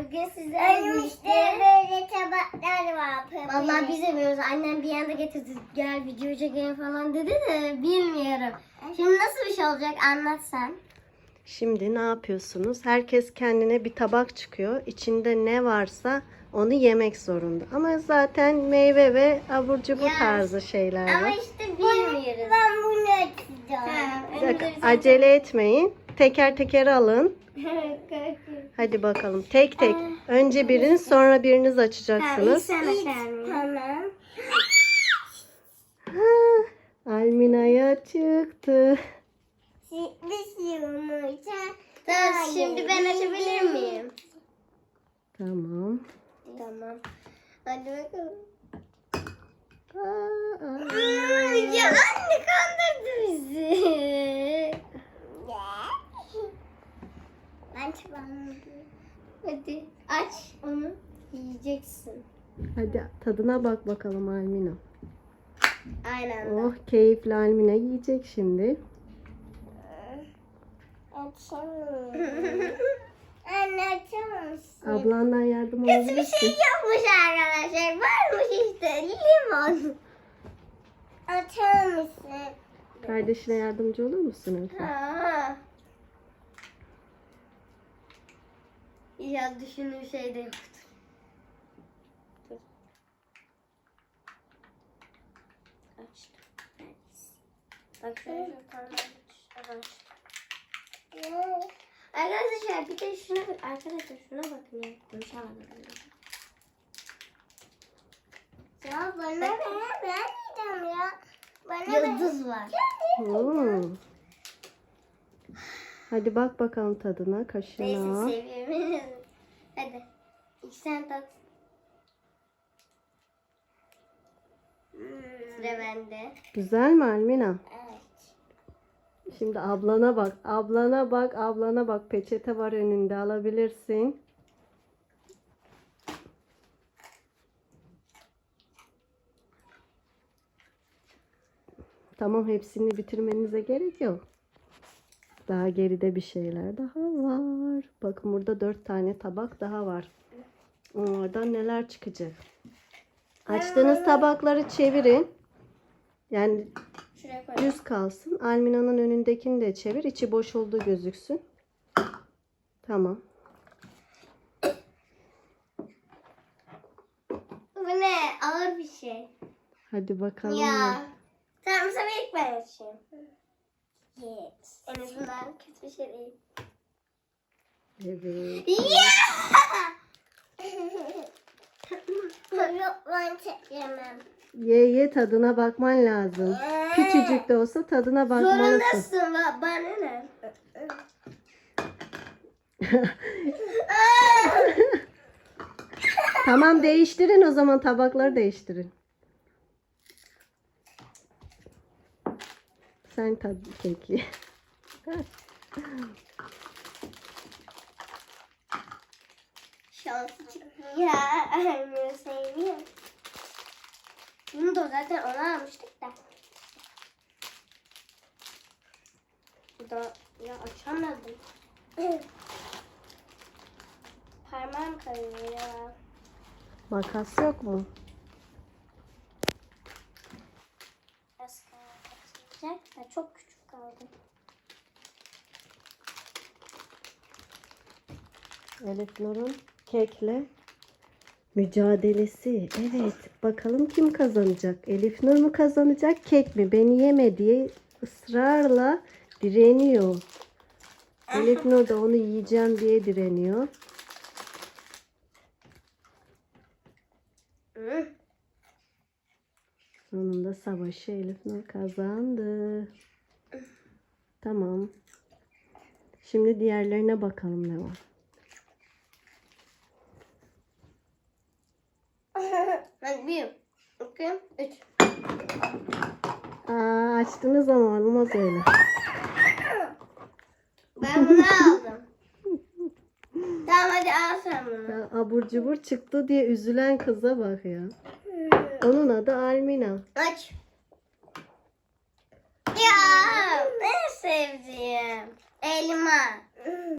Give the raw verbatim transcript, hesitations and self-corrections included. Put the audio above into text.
Bugün sizlerle birlikte böyle tabaklar var. Vallahi biz yemiyoruz. Annem bir anda getirdi. Gel video çekelim falan dedi de bilmiyorum. Şimdi nasıl bir şey olacak anlat sen. Şimdi ne yapıyorsunuz? Herkes kendine bir tabak çıkıyor. İçinde ne varsa onu yemek zorunda. Ama zaten meyve ve abur cubur Ya, tarzı şeyler Ama var. işte bilmiyoruz. Ben bunu açacağım. Bir dakika, acele etmeyin. Teker teker alın. Hadi. Hadi bakalım. Tek tek. Önce biriniz sonra biriniz açacaksınız. Tamam. Ha, Almina'ya çıktı. Tamam, şimdi ben açabilir miyim? Tamam. Tamam. Hadi bakalım. Aa, aa. Aa, ya anne kandırdı bizi. Ben çıkmadım. Hadi aç onu. Yiyeceksin. Hadi tadına bak bakalım Almina. Aynen. Oh, keyifli Almina yiyecek şimdi. Açamıyorum. Anne açamazsın. Ablandan yardım Kötü bir alabilirsin. şey yapmış arkadaşlar. Varmış işte limon. Açar mısın? Kardeşine yardımcı olur musun Efe? Ha. Ya düşündüğüm şey de yoktu. Dur. Açtım. Bak şöyle bir tane açtım. Arkadaşlar bir de şuna bak. Arkadaşlar şuna bakın ya. Konuşamadım. Ya bana ne? Ben yiyeceğim ya. Bana yıldız var. Hmm. Hadi bak bakalım tadına, kaşığına. Neyse seviyorum. Hadi. İlk sen tat. Sıra bende. Güzel mi Almina? Evet. Şimdi ablana bak. Ablana bak, ablana bak. Peçete var önünde, alabilirsin. Tamam, hepsini bitirmenize gerek yok. Daha geride bir şeyler daha var. Bakın burada dört tane tabak daha var. Onlardan neler çıkacak? Açtığınız tabakları çevirin. Yani Şuraya koy. düz kalsın. Almina'nın önündekini de çevir. İçi boş olduğu gözüksün. Tamam. Bu ne? Ağır bir şey. Hadi bakalım. Ya. Tamam sana ilk ben açayım. Yes. En azından kötü bir şey değil. Evet. Ya! Yok ben çekemem. Ye ye, tadına bakman lazım. Küçücük de olsa tadına bakmalısın. Zorundasın ba- bana ne? Tamam, değiştirin o zaman, tabakları değiştirin. Sen tad peki. Şansı çıktı ya. Annem sevmiyor. Bunu da zaten ona almıştık da. Bu da ya açamadım. Parmağım kayıyor ya. Makas yok mu? Biraz kalacak da çok küçük kaldı. Elif Nur'un kekle mücadelesi. Evet, bakalım kim kazanacak? Elif Nur mu kazanacak, kek mi? Beni yeme diye ısrarla direniyor. Elif Nur da onu yiyeceğim diye direniyor. Hı. Sonunda savaşı Elif Nur kazandı. Tamam. Şimdi diğerlerine bakalım ne var. Hadi bir, iki, üç. Aa, açtınız ama olmaz öyle. Ben bunu aldım. Tamam hadi al sen bunu. Ya, abur cubur çıktı diye üzülen kıza bak ya. Onun adı Almina. Aç. Ya en sevdiğim elma.